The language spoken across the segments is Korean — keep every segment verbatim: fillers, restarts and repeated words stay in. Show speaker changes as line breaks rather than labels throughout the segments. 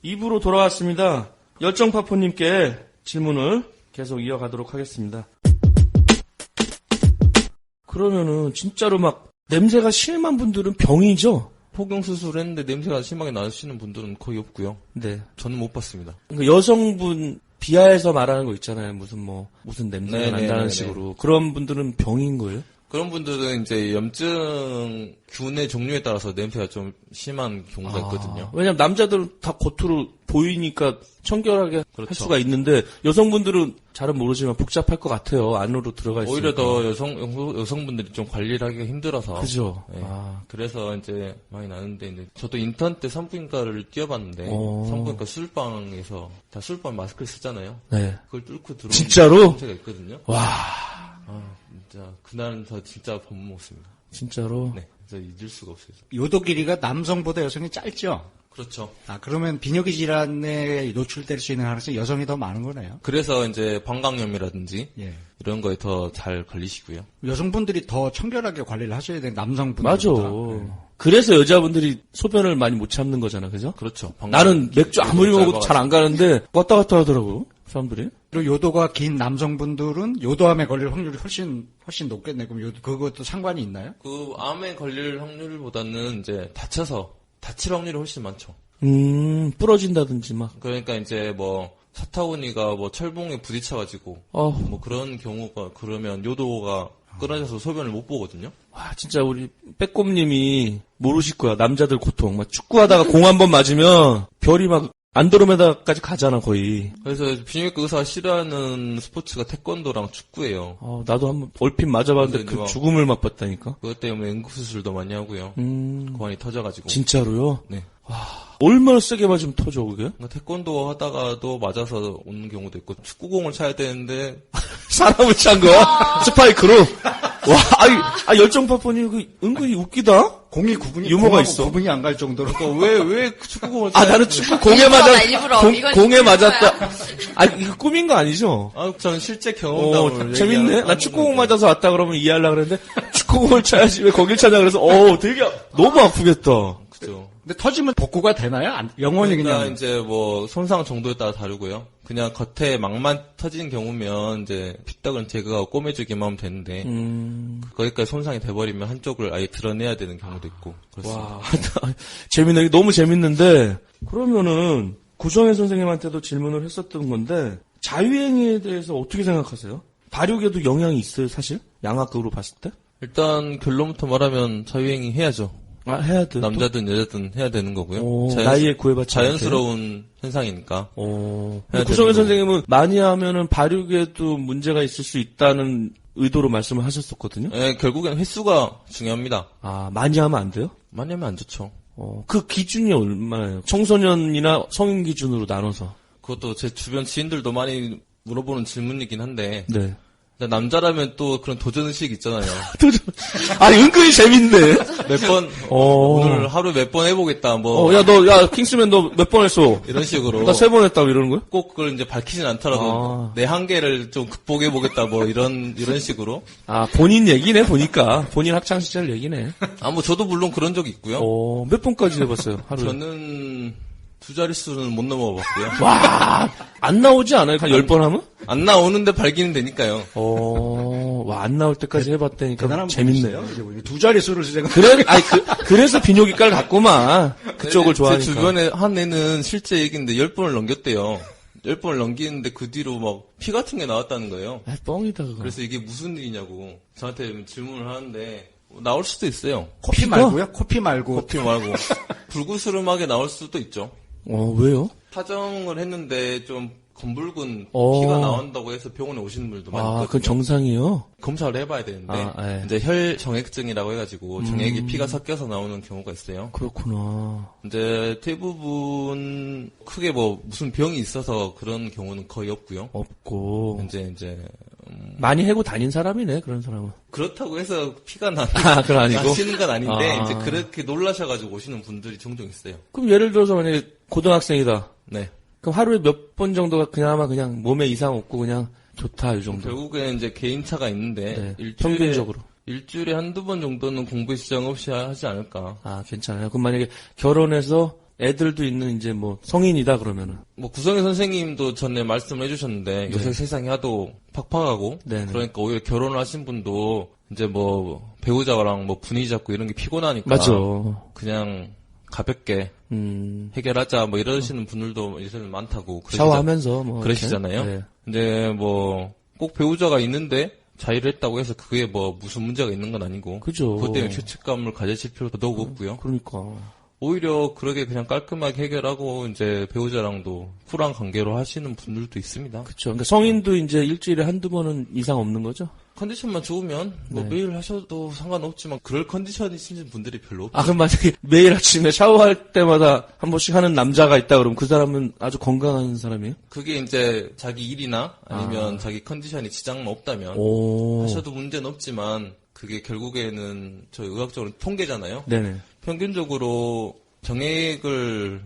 이 부로 돌아왔습니다. 열정파포님께 질문을 계속 이어가도록 하겠습니다. 그러면은 진짜로 막 냄새가 심한 분들은 병이죠?
폭경 수술을 했는데 냄새가 심하게 나시는 분들은 거의 없고요.
네.
저는 못 봤습니다.
그러니까 여성분 비하해서 말하는 거 있잖아요. 무슨 뭐 무슨 냄새가
네네네네.
난다는 식으로. 그런 분들은 병인 거예요?
그런 분들은 이제 염증 균의 종류에 따라서 냄새가 좀 심한 경우가 있거든요.
아, 왜냐면 남자들은 다 겉으로 보이니까 청결하게
그렇죠.
할 수가 있는데 여성분들은 잘은 모르지만 복잡할 것 같아요. 안으로 들어가 있으니까.
오히려 더 여성 여성분들이 좀 관리를 하기가 힘들어서.
그죠.
네.
아.
그래서 이제 많이 나는데 이제 저도 인턴 때 산부인과를 뛰어봤는데
어.
산부인과 술방에서 다 술방 마스크를 쓰잖아요.
네.
그걸 뚫고 들어오는
진짜로?
냄새가 있거든요.
와.
아 진짜 그날은 저 진짜 밥 못 먹습니다.
진짜로?
네, 진짜 잊을 수가 없어요.
요도 길이가 남성보다 여성이 짧죠?
그렇죠.
아, 그러면 비뇨기 질환에 노출될 수 있는 가능성이 여성이 더 많은 거네요.
그래서 이제 방광염이라든지
예.
이런 거에 더 잘 걸리시고요.
여성분들이 더 청결하게 관리를 하셔야 되는 남성분들.
맞아. 그래서 여자분들이 소변을 많이 못 참는 거잖아, 그죠?
그렇죠. 방광-
나는 맥주 아무리 먹어도
짧아가지고.
잘 안 가는데 왔다 갔다 하더라고요, 사람들이.
그리고 요도가 긴 남성분들은 요도암에 걸릴 확률이 훨씬 훨씬 높겠네. 그럼 요 그것도 상관이 있나요?
그 암에 걸릴 확률보다는 이제 다쳐서 다칠 확률이 훨씬 많죠.
음, 부러진다든지 막.
그러니까 이제 뭐 사타구니가 뭐 철봉에 부딪혀가지고
어,
뭐 그런 경우가 그러면 요도가 끊어져서 소변을 못 보거든요.
와, 진짜 우리 빼꼼님이 모르실 거야. 남자들 고통. 막 축구하다가 공 한 번 맞으면 별이 막 안드로메다까지 가잖아, 거의.
그래서 비뇨기과 의사가 싫어하는 스포츠가 태권도랑 축구예요.
어, 나도 한번 얼핏 맞아봤는데
그래서
그
이제
죽음을 맛봤다니까.
그것 때문에 응급수술도 많이 하고요.
음,
고환이 터져가지고.
진짜로요?
네.
얼마나 세게 맞으면 터져, 그게?
그러니까 태권도 하다가도 맞아서 오는 경우도 있고 축구공을 차야 되는데
사람을 찬 거야? 스파이크로? 와, 아이, 아, 열정파포님, 그, 은근히 웃기다?
공이 구분이
유머가
공하고
있어.
구분이 안 갈 정도로.
그러니까 왜, 왜 축구공을
아,
차야
나는
되는데.
축구 공에
일부러다,
맞았,
일부러.
공,
이건
공에
일부러야.
맞았다. 아, 이거 꾸민 거 아니죠?
아, 저는 실제
어,
경험담을
재밌네.
얘기하는
나 축구공
건데.
맞아서 왔다 그러면 이해하려고 그랬는데, 축구공을 차야지 왜 거길 차냐 그래서, 어 되게, 너무 아프겠다.
그죠.
근데 터지면 복구가 되나요? 안- 영원히
그러니까
그냥.
이제 뭐 손상 정도에 따라 다르고요. 그냥 겉에 막만 터진 경우면 이제 핏떡은 제거하고 꼬매주기만 하면 되는데
음,
거기까지 손상이 돼버리면 한쪽을 아예 드러내야 되는 경우도 있고 그렇습니다.
와, 재밌네. 너무 재밌는데, 그러면은, 구정혜 선생님한테도 질문을 했었던 건데, 자유행위에 대해서 어떻게 생각하세요? 발육에도 영향이 있어요, 사실? 양학극으로 봤을 때?
일단 결론부터 말하면 자유행위 해야죠.
아, 해야 돼.
남자든 여자든 해야 되는 거고요.
오,
자연스-
나이에 구애받지 않게.
자연스러운 현상이니까.
어.
해야
구성현
되는
선생님은 많이 하면은 발육에도 문제가 있을 수 있다는 의도로 말씀을 하셨었거든요.
예, 결국엔 횟수가 중요합니다.
아, 많이 하면 안 돼요?
많이 하면 안 좋죠.
어, 그 기준이 얼마나요? 청소년이나 성인 기준으로 나눠서.
그것도 제 주변 지인들도 많이 물어보는 질문이긴 한데
네.
근데 남자라면 또 그런 도전의식이 있잖아요.
아, 은근히 재밌네.
몇 번,
어.
오늘 하루 몇 번 해보겠다, 뭐.
어, 야, 너, 야, 킹스맨 너 몇 번 했어?
이런 식으로.
나 세 번 했다고 이러는 거야?
꼭 그걸 이제 밝히진 않더라도
아.
내 한계를 좀 극복해보겠다, 뭐 이런, 이런 식으로.
아, 본인 얘기네, 보니까. 본인 학창시절 얘기네.
아, 뭐 저도 물론 그런 적이 있고요.
어, 몇 번까지 해봤어요, 하루에?
저는 두 자릿수는 못 넘어봤고요.
와, 안 나오지 않아요? 한 열 번 하면?
안 나오는데 발기는 되니까요.
어, 와, 안 나올 때까지 해봤다니까
대단한
재밌네요.
분이세요. 이제 우리 두 자릿수를 제가.
그래, 아니, 그, 그래서 비뇨기과를 갔구만. 그쪽을
제
좋아하니까.
주변에 한 애는 실제 얘기인데 열 번을 넘겼대요. 열 번을 넘기는데 그 뒤로 막 피 같은 게 나왔다는 거예요.
아, 뻥이다, 그거.
그래서 이게 무슨 일이냐고 저한테 질문을 하는데 나올 수도 있어요.
코피 말고요? 코피 말고.
코피 말고 불구스름하게 나올 수도 있죠.
어, 왜요?
파정을 했는데 좀 검붉은
어.
피가 나온다고 해서 병원에 오시는 분들도 많이
아,
있거든요.
그건 정상이요?
검사를 해봐야 되는데
아, 예.
이제 혈정액증이라고 해가지고 정액이
음.
피가 섞여서 나오는 경우가 있어요.
그렇구나.
이제 대부분 크게 뭐 무슨 병이 있어서 그런 경우는 거의 없고요.
없고.
이제 이제 음,
많이 해고 다닌 사람이네, 그런 사람은.
그렇다고 해서 피가 나
아, 그건 아니고?
나시는 건 아닌데
아.
이제 그렇게 놀라셔가지고 오시는 분들이 종종 있어요.
그럼 예를 들어서 만약에 고등학생이다.
네.
그럼 하루에 몇 번 정도가 그나마 그냥 몸에 이상 없고 그냥 좋다, 이 정도.
결국에는 이제 개인차가 있는데
네,
일주일에
평균적으로.
일주일에 한두 번 정도는 공부에 지장 없이 하지 않을까.
아, 괜찮아요. 그럼 만약에 결혼해서 애들도 있는 이제 뭐 성인이다 그러면은.
뭐 구성애 선생님도 전에 말씀을 해주셨는데 요새
네.
세상이 하도 팍팍하고
네네.
그러니까 오히려 결혼을 하신 분도 이제 뭐 배우자랑 뭐 분위기 잡고 이런 게 피곤하니까
맞죠.
그냥 가볍게
음.
해결하자 뭐 이러시는 분들도 요새는 많다고 그러시자-
샤워하면서 뭐
그러시잖아요.
이렇게. 네.
근데 뭐 꼭 배우자가 있는데 자의를 했다고 해서 그게 뭐 무슨 문제가 있는 건 아니고
그죠.
그것 때문에 죄책감을 가지실 필요도 더욱 없고요.
그러니까.
오히려 그렇게 그냥 깔끔하게 해결하고 이제 배우자랑도 쿨한 관계로 하시는 분들도 있습니다.
그렇죠. 그러니까 성인도 이제 일주일에 한두 번은 이상 없는 거죠?
컨디션만 좋으면 뭐
네.
매일 하셔도 상관없지만 그럴 컨디션이신 분들이 별로 없어요.
아, 그럼 만약에 매일 아침에 샤워할 때마다 한 번씩 하는 남자가 있다 그러면 그 사람은 아주 건강한 사람이에요?
그게 이제 자기 일이나 아니면 자기 컨디션이 지장만 없다면
오.
하셔도 문제는 없지만 그게 결국에는 저희 의학적으로 통계잖아요.
네네.
평균적으로 정액을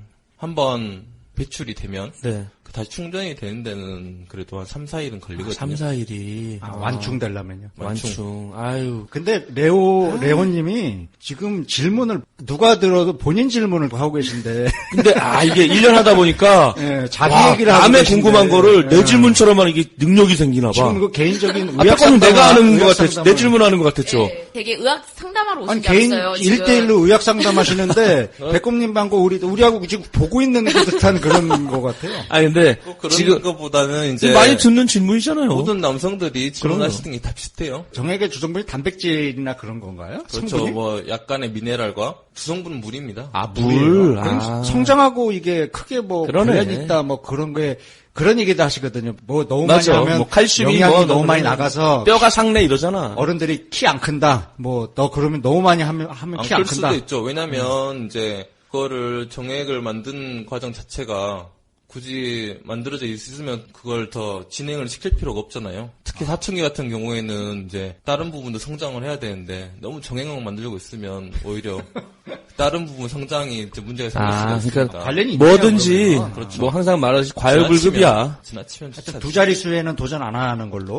한번 배출이 되면
네.
그 다시 충전이 되는 데는 그래도 한 삼, 사 일은 걸리거든요.
삼, 사 일이.
아, 완충되려면요.
완충. 아유.
근데 레오 레오님이 지금 질문을 누가 들어도 본인 질문을 하고 계신데
근데, 아, 이게 일 년 하다 보니까.
예, 자기
와,
얘기를 하고
남의
계신데.
궁금한 거를 내
예.
질문처럼 하는 게 능력이 생기나 봐.
지금 그 개인적인
아,
의학
딱 내가 하는 것
의학
같았죠. 내
상담을-
질문하는 것 같았죠.
네, 되게 의학 상담하러 오신
아니
줄
개인
알았어요. 지금.
일 대일로 의학 상담하시는데 백곰님 방고 우리 우리하고 지금 보고 있는 듯한 그런 것 같아요.
아, 근데.
꼭 그런
지금.
것보다는 이제
많이 듣는 질문이잖아요.
모든 남성들이 질문하시는 게 다 비슷해요.
정액의 주성분이 단백질이나 그런 건가요?
그렇죠.
성분이?
뭐 약간의 미네랄과 주성분은 물입니다.
아,
물.
물이에요. 그럼
아.
성장하고 이게 크게 뭐
그러네.
관련이 있다 뭐 그런 게 그런 얘기도 하시거든요. 뭐 너무
맞아.
많이 하면
뭐 칼슘이
영양이
뭐
너무 많이
그러면
나가서
뼈가 상내 이러잖아.
어른들이 키 안 큰다. 뭐 너 그러면 너무 많이 하면 하면
안
키 안
클
큰다.
수도 있죠. 왜냐면 이제 그거를 정액을 만든 과정 자체가 굳이 만들어져 있으면 그걸 더 진행을 시킬 필요가 없잖아요. 특히 사춘기 같은 경우에는 이제 다른 부분도 성장을 해야 되는데 너무 정액만 만들고 있으면 오히려 다른 부분 성장이 이제 문제가 생길
아,
수가 있으니까.
그러니까
관련이 있네요,
뭐든지
그러면.
그렇죠.
뭐 항상 말하듯이 과열불급이야.
지나치면
하여튼
좋지
두 자릿수에는 도전 안 하는 걸로.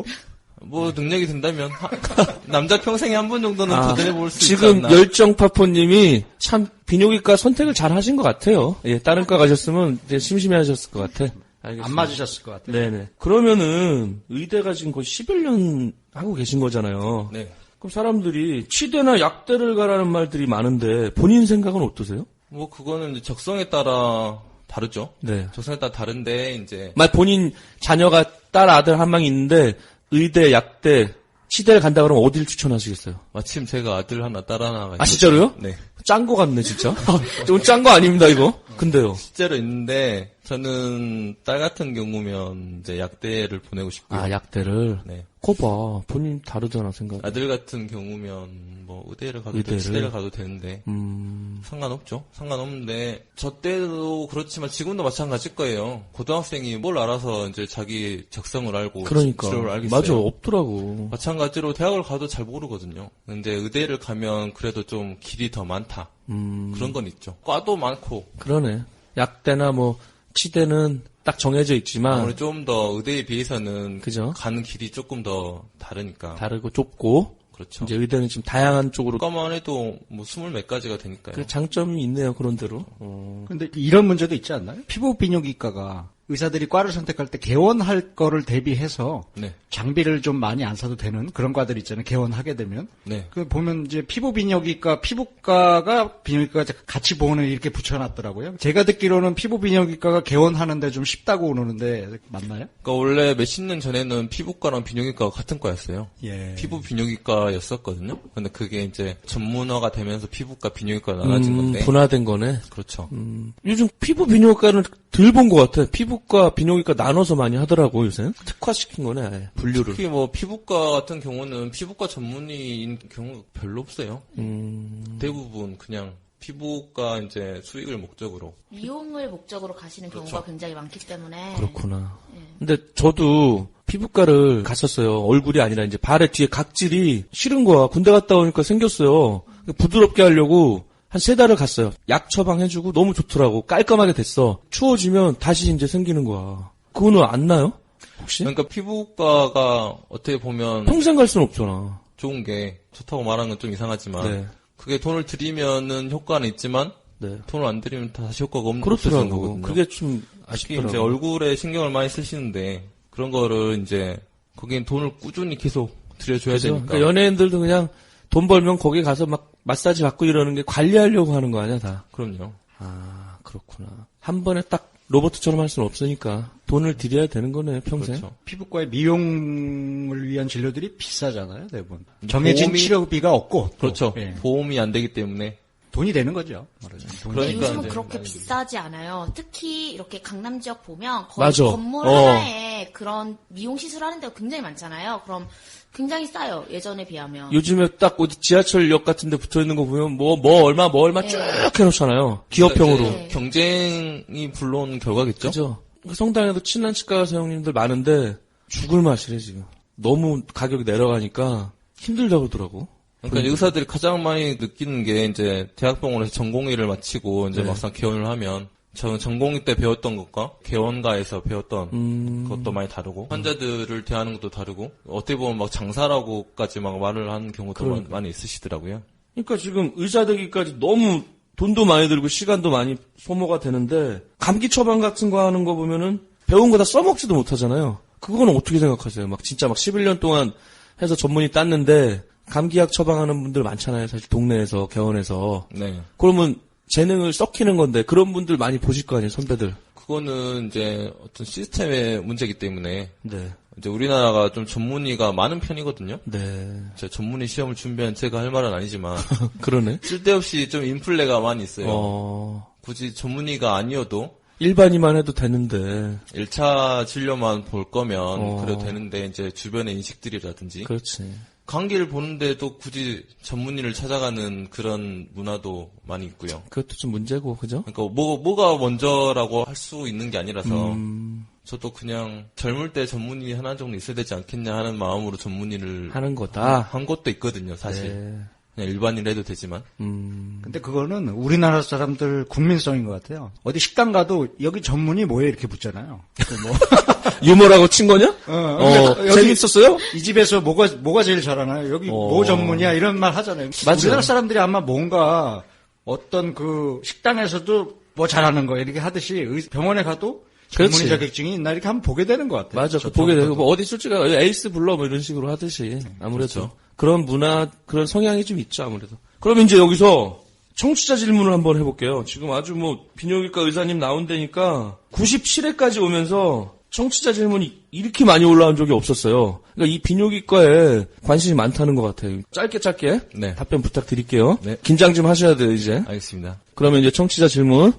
뭐 능력이 된다면 하- 남자 평생에 한 번 정도는
아,
도전해 볼 수 있지
지금
않나.
열정파포님이 참 비뇨기과 선택을 잘 하신 것 같아요. 예, 다른 과 가셨으면 이제 심심해하셨을 것 같아. 알겠습니다.
안 맞으셨을 것 같아요.
네네. 그러면은 의대가 지금 거의 십일 년 하고 계신 거잖아요.
네.
그럼 사람들이 치대나 약대를 가라는 말들이 많은데 본인 생각은 어떠세요?
뭐 그거는 이제 적성에 따라 다르죠.
네.
적성에 따라 다른데 이제
말 본인 자녀가 딸 아들 한 명 있는데 의대, 약대, 치대를 간다 그러면 어디를 추천하시겠어요?
마침 제가 아들 하나 딸 하나가
아 진짜로요?
네.
짠 거 같네 진짜. 좀 짠 거 아닙니다 이거. 근데요.
실제로 있는데 저는 딸 같은 경우면 이제 약대를 보내고 싶고요.
아 약대를.
네.
거 봐. 본인 다르잖아 생각.
아들 같은 경우면 뭐 의대를 가도
의대를?
되고 치대를 가도 되는데
음.
상관없죠. 상관없는데 저 때도 그렇지만 지금도 마찬가지일 거예요. 고등학생이 뭘 알아서 이제 자기 적성을 알고
그러니까.
치료를 알겠어요.
맞아 없더라고.
마찬가지로 대학을 가도 잘 모르거든요. 근데 의대를 가면 그래도 좀 길이 더 많다.
음.
그런 건 있죠. 과도 많고
그러네. 약대나 뭐 치대는 딱 정해져 있지만
아무래도 좀 더 의대에 비해서는
그죠?
가는 길이 조금 더 다르니까.
다르고 좁고
그렇죠.
이제 의대는 지금 다양한 쪽으로
과만 해도 뭐 스물 몇 가지가 되니까요.
그 장점이 있네요 그런 대로. 어.
근데 이런 문제도 있지 않나요? 피부 비뇨기과가 의사들이 과를 선택할 때 개원할 거를 대비해서
네,
장비를 좀 많이 안 사도 되는 그런 과들 있잖아요. 개원하게 되면.
네.
그 보면 이제 피부 비뇨기과, 피부과가 비뇨기과가 같이 보는 이렇게 붙여놨더라고요. 제가 듣기로는 피부 비뇨기과가 개원하는데 좀 쉽다고 그러는데 맞나요?
그러니까 원래 몇십 년 전에는 피부과랑 비뇨기과가 같은 과였어요.
예.
피부 비뇨기과였었거든요. 근데 그게 이제 전문화가 되면서 피부과 비뇨기과가 나눠진
음,
건데.
분화된 거네.
그렇죠.
음, 요즘 피부 비뇨기과는 덜 본 것 같아. 피부과, 비뇨기과 나눠서 많이 하더라고, 요새. 특화시킨 거네, 아예. 분류를.
특히 뭐 피부과 같은 경우는 피부과 전문의인 경우가 별로 없어요.
음,
대부분 그냥 피부과 이제 수익을 목적으로.
미용을 목적으로 가시는 경우가
그렇죠.
굉장히 많기 때문에
그렇구나.
예.
근데 저도 피부과를 갔었어요. 얼굴이 아니라 이제 발의 뒤에 각질이 싫은 거야. 군대 갔다 오니까 생겼어요. 부드럽게 하려고 한 세 달을 갔어요. 약 처방해주고 너무 좋더라고. 깔끔하게 됐어. 추워지면 다시 이제 생기는 거야. 그거는 안 나요? 혹시?
그러니까 피부과가 어떻게 보면
평생 갈 수는 없잖아.
좋은 게 좋다고 말하는 건 좀 이상하지만
네.
그게 돈을 들이면은 효과는 있지만
네.
돈을 안 들이면 다시 효과가 없는 없어지는
그렇더라고.
거거든요.
그게 좀
특히
아쉽더라고.
이제 얼굴에 신경을 많이 쓰시는데 그런 거를 이제 거긴 돈을 꾸준히 계속 들여줘야
그죠?
되니까.
그러니까 연예인들도 그냥 돈 벌면 거기 가서 막 마사지 받고 이러는 게 관리하려고 하는 거 아니야, 다.
그럼요.
아, 그렇구나. 한 번에 딱 로봇처럼 할 수는 없으니까 돈을 들여야 되는 거네, 평생.
그렇죠.
피부과의 미용을 위한 진료들이 비싸잖아요, 대부분. 정해진
보험이-
치료비가 없고. 또,
그렇죠.
예.
보험이 안 되기 때문에.
돈이 되는 거죠. 말하자면. 돈이
근데
그러니까
요즘은
이제
그렇게
많이
비싸지 않아요. 특히 이렇게 강남 지역 보면 거의
맞아.
건물
어.
하나에 그런 미용 시술 하는 데가 굉장히 많잖아요. 그럼 굉장히 싸요. 예전에 비하면.
요즘에 딱 어디 지하철역 같은 데 붙어 있는 거 보면 뭐, 뭐 얼마, 뭐 얼마 쭉 해놓잖아요. 기업형으로.
그러니까 이제 경쟁이 불러온 결과겠죠.
그죠? 성당에도 친한 치과 사장님들 많은데 죽을 맛이래, 지금. 너무 가격이 내려가니까 힘들다고 그러더라고.
그러니까 이제 의사들이 가장 많이 느끼는 게 이제 대학병원에서 전공의를 마치고 이제
네.
막상 개원을 하면 저는 전공의 때 배웠던 것과 개원가에서 배웠던
음.
것도 많이 다르고 환자들을 대하는 것도 다르고 어떻게 보면 막 장사라고까지 막 말을 하는 경우도
그러니까.
많이 있으시더라고요.
그러니까 지금 의사 되기까지 너무 돈도 많이 들고 시간도 많이 소모가 되는데 감기 처방 같은 거 하는 거 보면은 배운 거 다 써먹지도 못하잖아요. 그거는 어떻게 생각하세요? 막 진짜 막 십일 년 동안 해서 전문의 땄는데 감기약 처방하는 분들 많잖아요. 사실 동네에서 개원에서.
네.
그러면 재능을 썩히는 건데 그런 분들 많이 보실 거 아니에요, 선배들.
그거는 이제 어떤 시스템의 문제이기 때문에
네.
이제 우리나라가 좀 전문의가 많은 편이거든요.
네.
제 전문의 시험을 준비한 제가 할 말은 아니지만
그러네.
쓸데없이 좀 인플레가 많이 있어요.
어,
굳이 전문의가 아니어도
일반이만 해도 되는데.
일 차 진료만 볼 거면
어.
그래도 되는데 이제 주변의 인식들이라든지
그렇지.
감기를 보는데도 굳이 전문의를 찾아가는 그런 문화도 많이 있고요.
그것도 좀 문제고, 그죠?
그러니까 뭐 뭐가 먼저라고 할 수 있는 게 아니라서
음,
저도 그냥 젊을 때 전문의 하나 정도 있어야 되지 않겠냐 하는 마음으로 전문의를
하는 거다.
한 것도 있거든요, 사실.
네.
그냥 일반인 해도 되지만.
음,
근데 그거는 우리나라 사람들 국민성인 것 같아요. 어디 식당 가도 여기 전문이 뭐예요? 이렇게 묻잖아요. 뭐.
유머라고 친 거냐?
어,
어,
그러니까 여기
재밌었어요?
이 집에서 뭐가 뭐가 제일 잘하나요? 여기
어.
뭐 전문이야? 이런 말 하잖아요.
맞아요.
우리나라 사람들이 아마 뭔가 어떤 그 식당에서도 뭐 잘하는 거 이렇게 하듯이 의- 병원에 가도 전문의
그렇지.
자격증이 있나 이렇게 한번 보게 되는 것 같아요.
맞아.
저-
보게
저부터도.
되고, 뭐 어디 솔직히 에이스 불러 뭐 이런 식으로 하듯이. 아무래도.
그렇죠.
그런 문화, 그런 성향이 좀 있죠, 아무래도. 그럼 이제 여기서 청취자 질문을 한번 해볼게요. 지금 아주 뭐, 비뇨기과 의사님 나온다니까 구십칠 회까지 오면서 청취자 질문이 이렇게 많이 올라온 적이 없었어요. 그러니까 이 비뇨기과에 관심이 많다는 것 같아요. 짧게 짧게
네.
답변 부탁드릴게요.
네.
긴장 좀 하셔야 돼요, 이제.
알겠습니다.
그러면 이제 청취자 질문.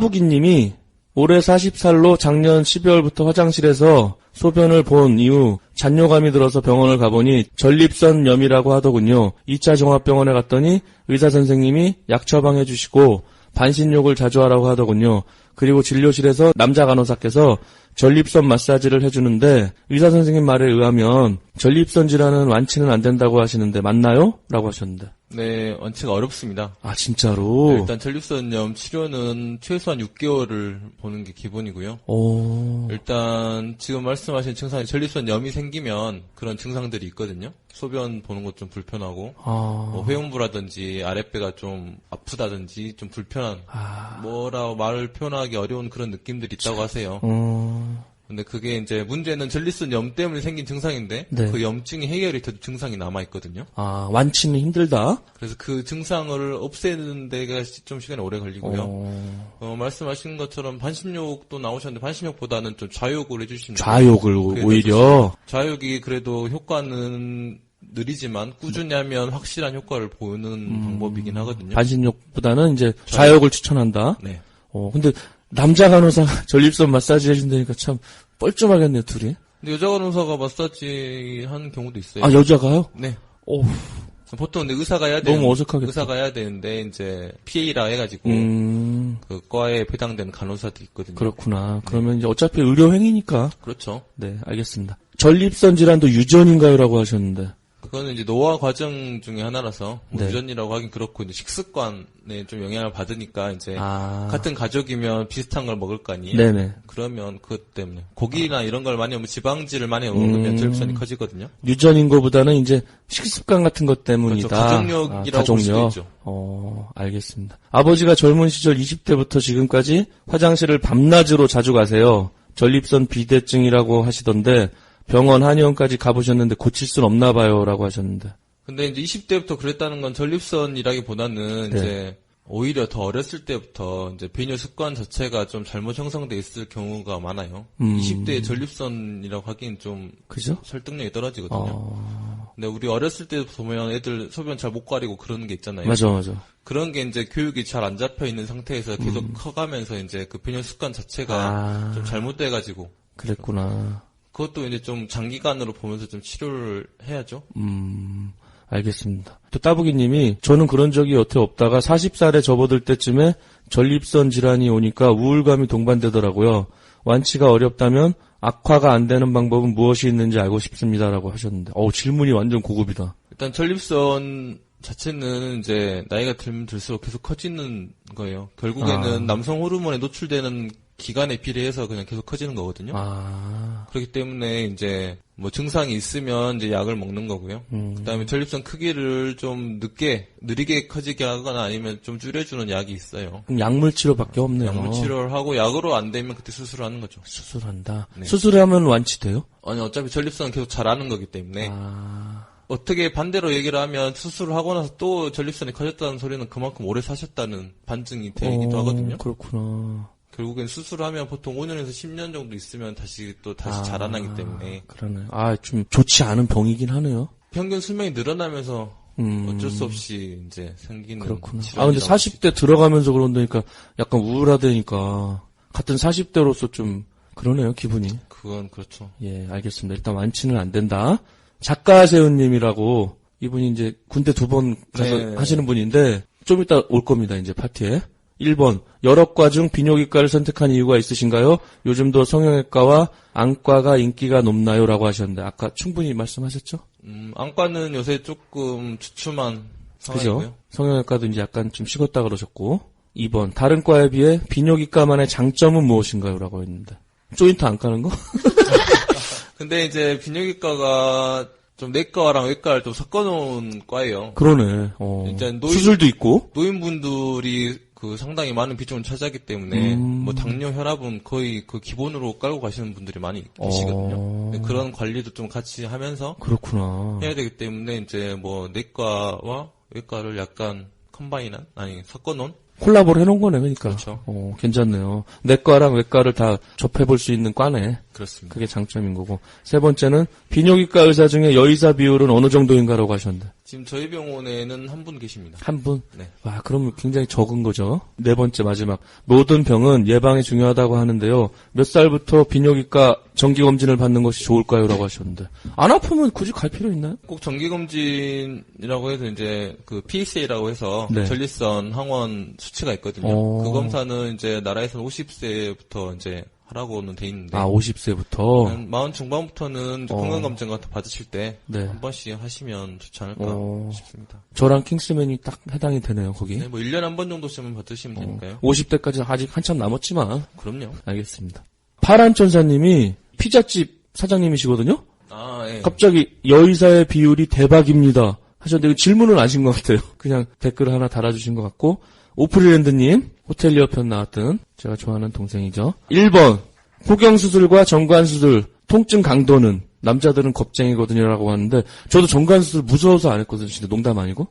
따부기님이 올해 마흔 살로 작년 십이월부터 화장실에서 소변을 본 이후 잔뇨감이 들어서 병원을 가보니 전립선염이라고 하더군요. 이 차 종합병원에 갔더니 의사 선생님이 약 처방해 주시고 반신욕을 자주 하라고 하더군요. 그리고 진료실에서 남자 간호사께서 전립선 마사지를 해주는데 의사 선생님 말에 의하면 전립선 질환은 완치는 안 된다고 하시는데 맞나요? 라고 하셨는데.
네, 원체가 어렵습니다.
아 진짜로?
네, 일단 전립선염 치료는 최소한 육 개월을 보는 게 기본이고요.
오.
일단 지금 말씀하신 증상이 전립선염이 생기면 그런 증상들이 있거든요. 소변 보는 것 좀 불편하고
아.
뭐 회음부라든지 아랫배가 좀 아프다든지 좀 불편한
아.
뭐라고 말을 표현하기 어려운 그런 느낌들이 있다고 하세요.
어.
근데 그게 이제 문제는 전립선염 때문에 생긴 증상인데
네.
그 염증이 해결이 돼도 증상이 남아 있거든요.
아, 완치는 힘들다?
그래서 그 증상을 없애는 데가 시- 좀 시간이 오래 걸리고요.
어.
어, 말씀하신 것처럼 반신욕도 나오셨는데 반신욕보다는 좀 좌욕을 해주시면
좌욕을 오-
그게
오히려.
좌욕이 그래도 효과는 느리지만 꾸준히 하면 확실한 효과를 보이는 방법이긴 하거든요.
반신욕보다는 이제 좌욕을 추천한다?
네.
어, 근데 남자 간호사 전립선 마사지 해준다니까 참 뻘쭘하겠네요, 둘이.
근데 여자 간호사가 마사지 하는 경우도 있어요.
아, 여자가요?
네.
오,
보통 근데 의사가 해야
너무
되는
어색하겠다.
의사가 해야 되는데 이제 피에이라 해가지고
음,
그 과에 배당되는 간호사도 있거든요.
그렇구나. 그러면 이제 어차피 의료행위니까.
그렇죠.
네, 알겠습니다. 전립선 질환도 유전인가요? 라고 하셨는데.
그거는 이제 노화 과정 중에 하나라서 뭐
네.
유전이라고 하긴 그렇고 이제 식습관에 좀 영향을 받으니까 이제
아.
같은 가족이면 비슷한 걸 먹을 거 아니에요.
네네.
그러면 그것 때문에 고기나 이런 걸 많이 먹으면 지방질을 많이 먹으면
음.
전립선이 커지거든요.
유전인 것보다는 이제 식습관 같은 것 때문이다.
그렇죠. 가족력이라고 볼 수도 있죠.
어, 알겠습니다. 아버지가 젊은 시절 이십 대부터 지금까지 화장실을 밤낮으로 자주 가세요. 전립선 비대증이라고 하시던데 병원 한의원까지 가보셨는데 고칠 순 없나 봐요. 라고 하셨는데.
근데 이제 이십 대부터 그랬다는 건 전립선이라기보다는
네.
이제 오히려 더 어렸을 때부터 이제 배뇨 습관 자체가 좀 잘못 형성돼 있을 경우가 많아요.
음.
이십 대에 전립선이라고 하기엔 좀
그죠?
설득력이 떨어지거든요.
어,
근데 우리 어렸을 때 보면 애들 소변 잘 못 가리고 그러는 게 있잖아요.
맞아, 맞아.
그런 게 이제 교육이 잘 안 잡혀 있는 상태에서 계속 커가면서 이제 그 배뇨 습관 자체가
아.
좀 잘못돼가지고
그랬구나.
그것도 이제 좀 장기간으로 보면서 좀 치료를 해야죠.
음, 알겠습니다. 또 따부기님이 저는 그런 적이 여태 없다가 마흔 살에 접어들 때쯤에 전립선 질환이 오니까 우울감이 동반되더라고요. 완치가 어렵다면 악화가 안 되는 방법은 무엇이 있는지 알고 싶습니다라고 하셨는데, 어우 질문이 완전 고급이다.
일단 전립선 자체는 이제 나이가 들면 들수록 계속 커지는 거예요. 결국에는
아.
남성 호르몬에 노출되는 기간에 비례해서 그냥 계속 커지는 거거든요.
아,
그렇기 때문에 이제 뭐 증상이 있으면 이제 약을 먹는 거고요.
음.
그다음에 전립선 크기를 좀 늦게 느리게 커지게 하거나 아니면 좀 줄여주는 약이 있어요.
그럼 약물 치료밖에 없네요.
약물 치료를 하고 약으로 안 되면 그때 수술을 하는 거죠.
수술한다.
네.
수술하면 완치돼요?
아니 어차피 전립선은 계속 자라는 거기 때문에
아,
어떻게 반대로 얘기를 하면 수술을 하고 나서 또 전립선이 커졌다는 소리는 그만큼 오래 사셨다는 반증이 되기도
어,
하거든요.
그렇구나.
결국엔 수술을 하면 보통 오 년에서 십 년 정도 있으면 다시 또 다시
아,
자라나기 때문에
그러네. 아, 좀 좋지 않은 병이긴 하네요.
평균 수명이 늘어나면서
음.
어쩔 수 없이 이제 생기는
그렇구나. 아,
질환이라고
근데 사십 대 들어가면서 그런다니까 약간 우울하다니까 같은 사십 대로서 좀 그러네요, 기분이.
그건 그렇죠.
예, 알겠습니다. 일단 완치는 안 된다. 작가세훈님이라고 이분이 이제 군대 두 번 가서
네.
하시는 분인데 좀 이따 올 겁니다, 이제 파티에. 일 번, 여러 과 중 비뇨기과를 선택한 이유가 있으신가요? 요즘도 성형외과와 안과가 인기가 높나요? 라고 하셨는데 아까 충분히 말씀하셨죠?
음, 안과는 요새 조금 주춤한 상황이고요.
그죠? 성형외과도 이제 약간 좀 식었다 그러셨고. 이 번, 다른 과에 비해 비뇨기과만의 장점은 무엇인가요? 라고 했는데. 조인트 안 까는 거?
근데 이제 비뇨기과가 좀 내과랑 외과를 좀 섞어놓은 과예요.
그러네. 어.
일단 노인-
수술도 있고.
노인분들이 그 상당히 많은 비중을 차지하기 때문에
음.
뭐 당뇨, 혈압은 거의 그 기본으로 깔고 가시는 분들이 많이 계시거든요.
어.
근데 그런 관리도 좀 같이 하면서
그렇구나.
해야 되기 때문에 이제 뭐 내과와 외과를 약간 컴바인한 아니 섞어놓은
콜라보를 해놓은 거네, 그러니까.
그렇죠.
어, 괜찮네요. 내과랑 외과를 다 접해볼 수 있는 과네.
그렇습니다.
그게 장점인 거고. 세 번째는 비뇨기과 의사 중에 여의사 비율은 어느 정도인가라고 하셨는데.
지금 저희 병원에는 한 분 계십니다.
한 분?
네.
와, 그러면 굉장히 적은 거죠. 네 번째 마지막. 모든 병은 예방이 중요하다고 하는데요. 몇 살부터 비뇨기과 정기검진을 받는 것이 좋을까요? 라고 하셨는데. 안 아프면 굳이 갈 필요 있나요?
꼭 정기검진이라고 해서 이제 그 피에스에이라고 해서
네.
전립선 항원 수치가 있거든요.
어.
그 검사는 이제 나라에서는 오십 세부터 이제 하라고는 돼 있는데
아, 오십 세부터.
한 마흔 중반부터는
어.
건강검진 같은 거 받으실 때 한
네.
번씩 하시면 좋지 않을까
어.
싶습니다.
저랑 킹스맨이 딱 해당이 되네요, 거기.
네, 뭐 일 년에 한 번 정도씩은 받으시면
어.
되니까요.
오십 대까지 아직 한참 남았지만.
그럼요.
알겠습니다. 파란천사님이 피자집 사장님이시거든요?
아, 예.
갑자기 여의사의 비율이 대박입니다. 하셨는데 이거 질문은 아신 것 같아요. 그냥 댓글을 하나 달아주신 것 같고. 오프리랜드님, 호텔리어 편 나왔던 제가 좋아하는 동생이죠. 일 번, 포경수술과 정관수술, 통증 강도는 남자들은 겁쟁이거든요 라고 하는데 저도 정관수술 무서워서 안 했거든요. 진짜 농담 아니고.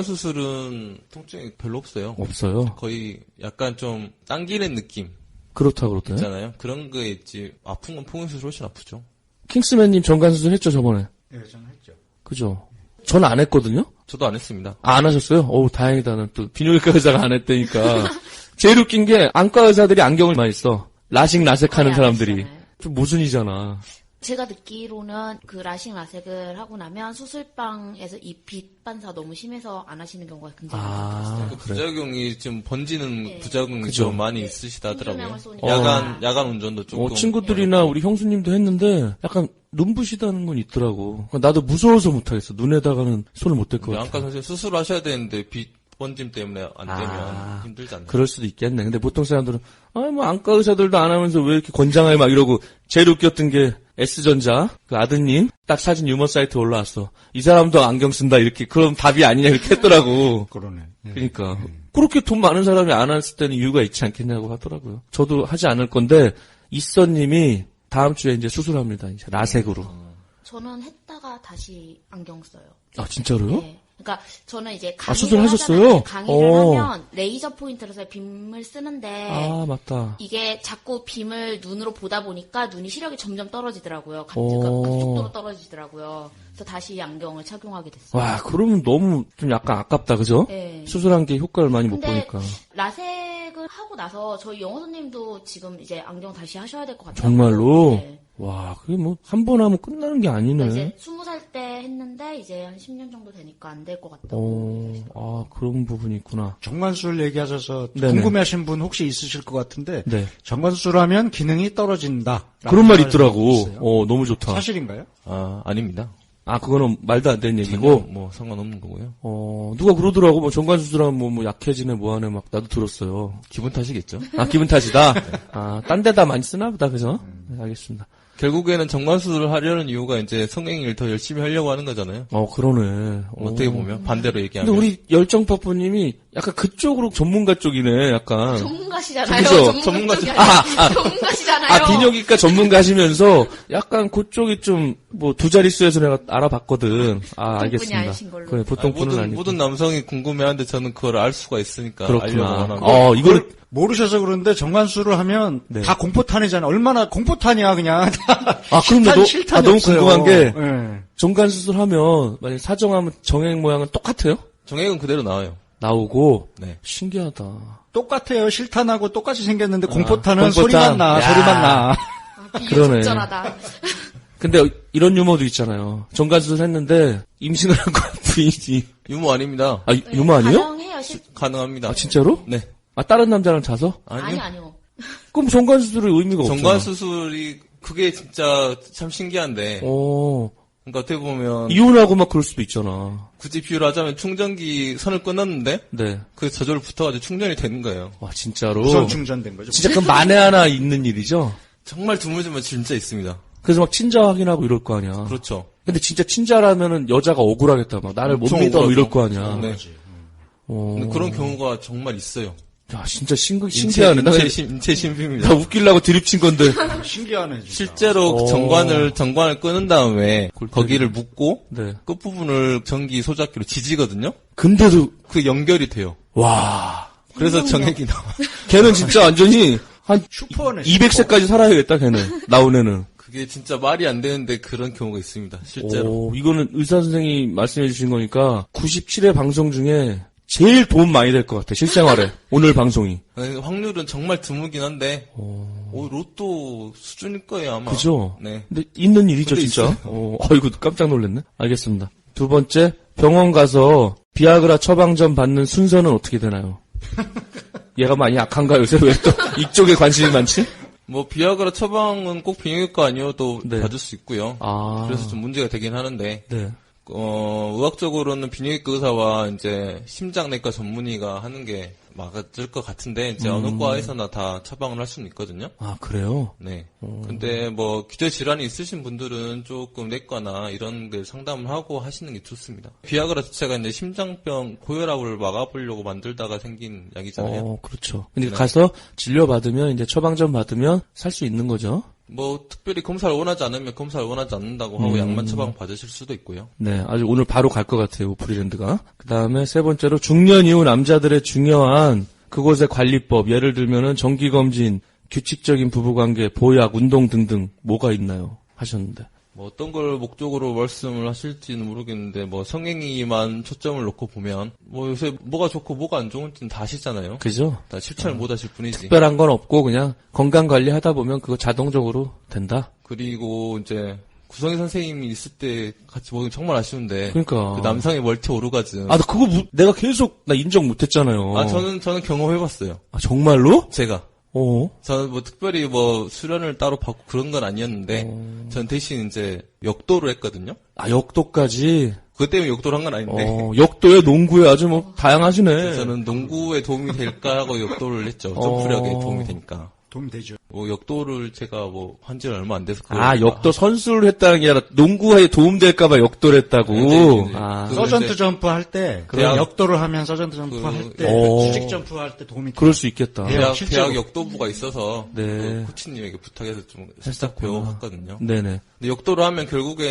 정관수술은 통증이 별로 없어요.
없어요.
거의 약간 좀 당기는 느낌
그렇다 그러더라고요.
있잖아요. 그런 거에 있지. 아픈 건 포경수술 훨씬 아프죠.
킹스맨님 정관수술 했죠 저번에.
네, 저는 했죠.
그죠. 전 안 했거든요.
저도 안 했습니다.
아, 안 하셨어요? 어우, 다행이다. 난 또 비뇨기과 의사가 안 했다니까. 제일 웃긴 게 안과 의사들이 안경을 많이 써. 라식 라섹 하는
거의 안
사람들이.
하시잖아요.
좀 모순이잖아.
제가 듣기로는 그 라식 라섹을 하고 나면 수술방에서 이 빛 반사 너무 심해서 안 하시는 경우가 굉장히 많았어요.
그 부작용이 좀 번지는
네.
부작용이
그죠.
좀 많이 있으시다더라고요.
생조명을 쏘니까.
야간 야간 운전도 조금.
어, 친구들이나 우리 형수님도 했는데 약간 눈부시다는 건 있더라고. 나도 무서워서 못하겠어. 눈에다가는 손을 못 댈 것
우리
같아.
안과 선생님 수술하셔야 되는데 빛 번짐 때문에 안 되면
아.
힘들지 않나요?
그럴 수도 있겠네. 근데 보통 사람들은 아 뭐 안과 의사들도 안 하면서 왜 이렇게 권장해 막 이러고 제일 웃겼던 게 S전자 그 아드님 딱 사진 유머 사이트에 올라왔어. 이 사람도 안경 쓴다 이렇게 그럼 답이 아니냐 이렇게 했더라고.
그러네. 예.
그러니까 그렇게 돈 많은 사람이 안 했을 때는 이유가 있지 않겠냐고 하더라고요. 저도 하지 않을 건데 이선님이 다음 주에 이제 수술합니다. 이제 라섹으로.
저는 했다가 다시 안경 써요.
아 진짜로요?
네. 그러니까 저는 이제
아,
강의를
수술하셨어요?
하잖아요. 강의를
어.
하면 레이저 포인트로서 빔을 쓰는데
아 맞다.
이게 자꾸 빔을 눈으로 보다 보니까 눈이 시력이 점점 떨어지더라고요. 가-
오.
그 급속도로 떨어지더라고요. 그래서 다시 안경을 착용하게 됐어요.
와 그러면 너무 좀 약간 아깝다 그죠?
네.
수술한 게 효과를 많이 못
근데
보니까.
라섹을 하고 나서 저희 영어 선생님도 지금 이제 안경 다시 하셔야 될 것 같아요.
정말로?
네.
와 그게 뭐 한 번 하면 끝나는 게 아니네.
이제 스무 살 때 했는데 이제 한 십 년 정도 되니까 안 될 것 같다고.
어, 아 그런 부분이 있구나.
정관수술 얘기하셔서
네네.
궁금해하신 분 혹시 있으실 것 같은데
네.
정관수술하면 기능이 떨어진다.
그런 말 있더라고. 어 너무 좋다.
사실인가요?
아 아닙니다.
아 그거는 말도 안 되는
전혀
얘기고.
뭐 상관없는 거고요.
어 누가 그러더라고. 뭐 정관 수술하면 뭐, 뭐 약해지네 뭐하네 막 나도 들었어요.
기분 탓이겠죠.
아 기분 탓이다. 아 딴 데다 많이 쓰나 보다 그죠? 네, 알겠습니다.
결국에는 정관수술을 하려는 이유가 이제 성행위를 더 열심히 하려고 하는 거잖아요.
어 그러네. 어.
어떻게 보면 반대로
근데
얘기하면.
우리 열정파프님이 약간 그쪽으로 전문가 쪽이네. 약간.
전문가시잖아요.
그죠?
전문가 쪽이
아, 아.
전문가시잖아요.
아, 비뇨기과 전문가시면서 약간 그쪽이 좀 뭐 두 자릿수에서 내가 알아봤거든. 아,
보통 분이
알겠습니다.
아니신 걸로.
그래, 보통
아니,
분은
모든,
아니고.
모든 남성이 궁금해하는데 저는 그걸 알 수가 있으니까 알려고
그렇구나.
하는 거.
어, 이거를
그걸 모르셔서 그런데 정관수술을 하면
네.
다 공포탄이잖아. 얼마나 공포탄이야 그냥.
아, 그럼 나
실탄,
너-
실탄이
아, 너무
없어요.
궁금한 게
예.
정관 수술하면 만약 사정하면 정액 모양은 똑같아요?
정액은 그대로 나와요.
나오고
네.
신기하다.
똑같아요. 실탄하고 똑같이 생겼는데 공포탄은
공포탄.
소리만 나.
야.
소리만 나.
아,
그러네.
비유적절하다.
근데 이런 유머도 있잖아요. 정관 수술 했는데 임신을 한 거 부인이
유머 아닙니다.
아 유머 아니에요?
가능해요. 실...
가능합니다.
아 진짜로?
네.
아 다른 남자랑 자서?
아니요.
아니요, 아니요.
그럼 정관 수술의 의미가 없잖아.
정관 수술이 그게 진짜 참 신기한데.
어
그러니까 어떻게 보면
이혼하고 막 그럴 수도 있잖아.
굳이 비유를 하자면 충전기 선을 끊었는데
네.
그 저절로 붙어가지고 충전이 되는 거예요.
와 진짜로.
우선 충전된 거죠.
진짜 그 만에 하나 있는 일이죠.
정말 드물지만 진짜 있습니다.
그래서 막 친자 확인하고 이럴 거 아니야.
그렇죠.
근데 진짜 친자라면은 여자가 억울하겠다. 막 나를 못
엄청
믿어
억울하죠.
이럴 거 아니야.
네.
어.
근데 그런 경우가 정말 있어요.
야 진짜 신기
인체,
신기하네. 나,
인체, 신- 인체 신비입니다.
나 웃기려고 드립친 건데.
신기하네. 진짜.
실제로
오.
정관을 정관을 끄는 다음에
골때리.
거기를 묶고
네.
끝부분을 전기 소작기로 지지거든요.
근데도
그 연결이 돼요.
와.
그래서 정액이 나와.
걔는 진짜 완전히 한
슈퍼네.
이백 세까지 살아야겠다. 걔는 나온 애는.
그게 진짜 말이 안 되는데 그런 경우가 있습니다. 실제로.
오, 이거는 의사 선생님이 말씀해 주신 거니까 구십칠 회 방송 중에 제일 도움 많이 될 것 같아. 실생활에. 오늘 방송이.
아니, 확률은 정말 드물긴 한데 오, 로또 수준일 거예요 아마.
그죠?
네.
근데 있는 일이죠,
근데
진짜.
있어요.
어, 아이고, 깜짝 놀랐네. 알겠습니다. 두 번째, 병원 가서 비아그라 처방전 받는 순서는 어떻게 되나요? 얘가 많이 약한가 요새 왜 또 이쪽에 관심이 많지?
뭐 비아그라 처방은 꼭 비뇨기과 아니어도
네.
받을 수 있고요.
아.
그래서 좀 문제가 되긴 하는데
네.
어, 의학적으로는 비뇨기과 의사와 이제 심장내과 전문의가 하는 게 맞을 것 같은데 이제
음.
어느 과에서나 다 처방을 할 수는 있거든요.
아, 그래요?
네. 근데 뭐 기저 질환이 있으신 분들은 조금 내과나 이런 걸 상담을 하고 하시는 게 좋습니다. 비아그라 자체가 이제 심장병 고혈압을 막아보려고 만들다가 생긴 약이잖아요.
어, 그렇죠. 근데
네.
가서 진료받으면, 이제 처방전 받으면 살 수 있는 거죠?
뭐 특별히 검사를 원하지 않으면 검사를 원하지 않는다고 하고
음.
약만 처방 받으실 수도 있고요.
네, 아주 오늘 바로 갈 것 같아요, 오프리랜드가. 그 다음에 세 번째로 중년 이후 남자들의 중요한 그곳의 관리법, 예를 들면은 정기검진, 규칙적인 부부관계, 보약, 운동 등등 뭐가 있나요? 하셨는데.
뭐 어떤 걸 목적으로 말씀을 하실지는 모르겠는데 뭐 성행위만 초점을 놓고 보면 뭐 요새 뭐가 좋고 뭐가 안 좋은지는 다 아시잖아요.
그죠?
다 실천을
어.
못 하실 뿐이지.
특별한 건 없고 그냥 건강 관리 하다 보면 그거 자동적으로 된다.
그리고 이제 구성희 선생님이 있을 때 같이 먹으면 정말 아쉬운데.
그러니까.
그 남성의 멀티 오르가즘.
아, 나 그거 무- 내가 계속 나 인정 못했잖아요.
아, 저는 저는 경험해봤어요.
아, 정말로?
제가.
어.
저는 뭐 특별히 뭐 수련을 따로 받고 그런 건 아니었는데,
어.
전 대신 이제 역도를 했거든요.
아, 역도까지.
그것 때문에 역도를 한 건 아닌데.
어, 역도에 농구에 아주 뭐 다양하시네.
저는 농구에 도움이 될까 하고 역도를 했죠.
어.
점프력에 도움이 되니까.
도움 되죠.
뭐 역도를 제가 뭐 한 지는 얼마 안 돼서.
아, 역도 선수를 했다는 게 아니라 농구에 도움될까봐 역도를 했다고.
네, 네, 네.
아,
그-
서전트
이제-
점프 할 때, 그
대학-
역도를 하면 서전트 점프
그-
할 때,
오.
수직 점프 할 때 도움이
그럴 수 있겠다.
예.
대학,
실제로.
대학 역도부가 있어서
네.
그 코치님에게 부탁해서 좀 살짝
했었구나.
배워봤거든요.
네네.
근데 역도를 하면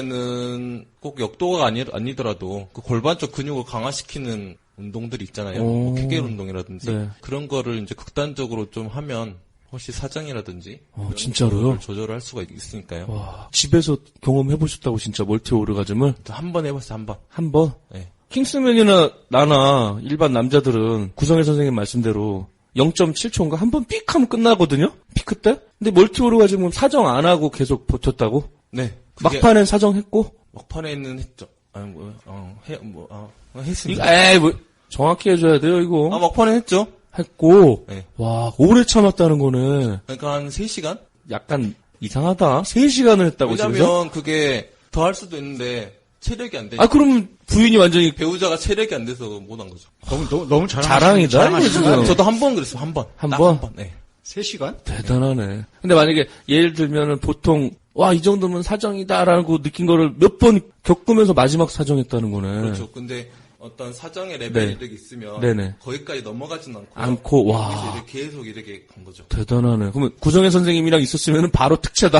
결국에는 꼭 역도가 아니, 아니더라도 그 골반 쪽 근육을 강화시키는 운동들이 있잖아요.
오.
뭐 케겔 운동이라든지
네.
그런 거를 이제 극단적으로 좀 하면 혹시 사정이라든지
어,
이런
진짜로요?
거를 조절을 할 수가 있으니까요.
와, 집에서 경험해보셨다고 진짜 멀티 오르가즘을
한 번 해봤어요, 한 번.
한 번?
네.
킹스맨이나 나나 일반 남자들은 구성애 선생님 말씀대로 영 점 칠 초인가 한 번 삑 하면 끝나거든요? 피크 때? 근데 멀티 오르가즘은 사정 안 하고 계속 버텼다고?
네. 그게
막판엔 사정했고?
막판에는 했죠. 아니 뭐, 어, 해, 뭐, 어, 했습니다.
이거, 에이, 뭐, 정확히 해줘야 돼요, 이거.
아, 막판에 했죠.
했고,
네.
와, 오래 참았다는 거네.
그러니까 한 세 시간?
약간 이상하다. 세 시간을 했다고, 집에서?
왜냐면 그게 더 할 수도 있는데 체력이 안 되니까.
아, 그럼 부인이 완전히
배우자가 체력이 안 돼서 못 한 거죠.
너무, 너무, 너무 자랑
자랑이다, 이거 지금.
저도 한 번 그랬어요, 한 번.
한
딱
번?
한 번, 네.
세 시간?
대단하네. 근데 만약에 예를 들면은 보통 와, 이 정도면 사정이다라고 느낀 거를 몇 번 겪으면서 마지막 사정했다는 거네.
그렇죠. 근데 어떤 사정의 레벨이
네.
이렇게 있으면
네네.
거기까지 넘어가지는 않고
않고, 와.
여기서 이렇게 계속 이렇게 간 거죠.
대단하네. 그러면 구성애 선생님이랑 있었으면 바로 특채다.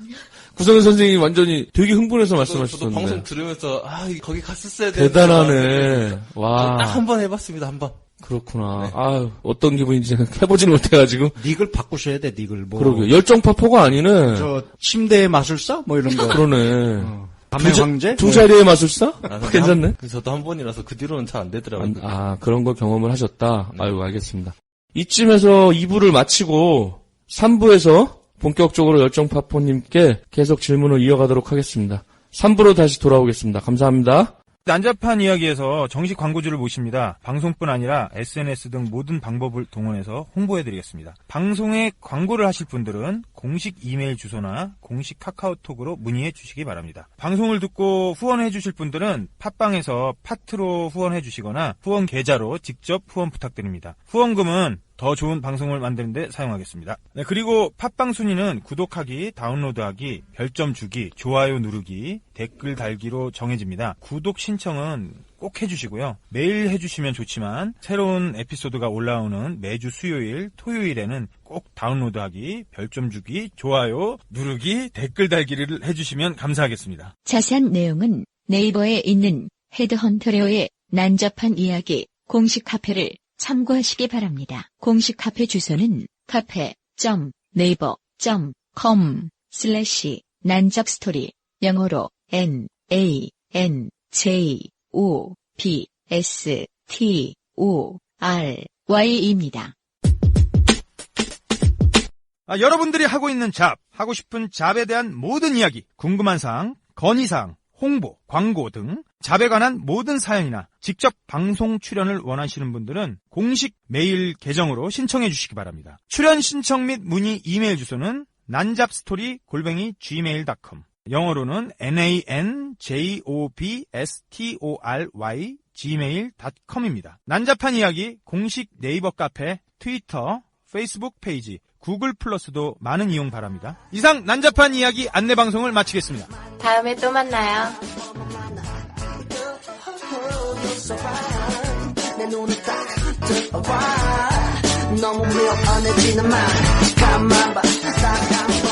구성애 선생님이 완전히 되게 흥분해서
저도, 저도
말씀하셨었는데.
방송 들으면서 아 거기 갔었어야 되는데
대단하네. 와.
딱 한 번 해봤습니다. 한 번.
그렇구나. 아유, 어떤 기분인지 해보지는 못해가지고.
닉을 바꾸셔야 돼, 닉을. 뭐.
그러게. 열정파포가 아니네.
저, 침대의 마술사? 뭐 이런 거.
그러네.
어. 밤의
두, 자-
황제?
두 자리의 마술사?
아, 근데
괜찮네.
한- 저도 한 번이라서 그 뒤로는 잘 안 되더라고요.
안- 아, 그런 걸 경험을 하셨다? 아유, 알겠습니다. 이쯤에서 이 부를 마치고 삼 부에서 본격적으로 열정파포님께 계속 질문을 이어가도록 하겠습니다. 삼 부로 다시 돌아오겠습니다. 감사합니다.
난잡한 이야기에서 정식 광고주를 모십니다. 방송뿐 아니라 에스엔에스 등 모든 방법을 동원해서 홍보해드리겠습니다. 방송에 광고를 하실 분들은 공식 이메일 주소나 공식 카카오톡으로 문의해 주시기 바랍니다. 방송을 듣고 후원해 주실 분들은 팟빵에서 파트로 후원해 주시거나 후원 계좌로 직접 후원 부탁드립니다. 후원금은 더 좋은 방송을 만드는 데 사용하겠습니다. 네, 그리고 팟빵 순위는 구독하기, 다운로드하기, 별점 주기, 좋아요 누르기, 댓글 달기로 정해집니다. 구독 신청은 꼭 해주시고요. 매일 해주시면 좋지만 새로운 에피소드가 올라오는 매주 수요일, 토요일에는 꼭 다운로드하기, 별점 주기, 좋아요 누르기, 댓글 달기를 해주시면 감사하겠습니다.
자세한 내용은 네이버에 있는 헤드헌터레오의 난잡한 이야기 공식 카페를 참고하시기 바랍니다. 공식 카페 주소는 카페 점 네이버 점 컴 슬래시 난잡스토리 영어로 N A N J O B S T O R Y입니다.
아, 여러분들이 하고 있는 잡, 하고 싶은 잡에 대한 모든 이야기, 궁금한 사항, 건의사항, 홍보, 광고 등 잡에 관한 모든 사연이나 직접 방송 출연을 원하시는 분들은 공식 메일 계정으로 신청해 주시기 바랍니다. 출연 신청 및 문의 이메일 주소는 난잡스토리 골뱅이 지메일 닷컴 영어로는 난잡스토ry 지메일 닷컴입니다. 난잡한 이야기 공식 네이버 카페, 트위터, 페이스북 페이지, 구글 플러스도 많은 이용 바랍니다. 이상 난잡한 이야기 안내 방송을 마치겠습니다.
다음에 또 만나요.
내 눈을 딱 뜨어봐 너무 미워해지는 말 가만 봐 따라가면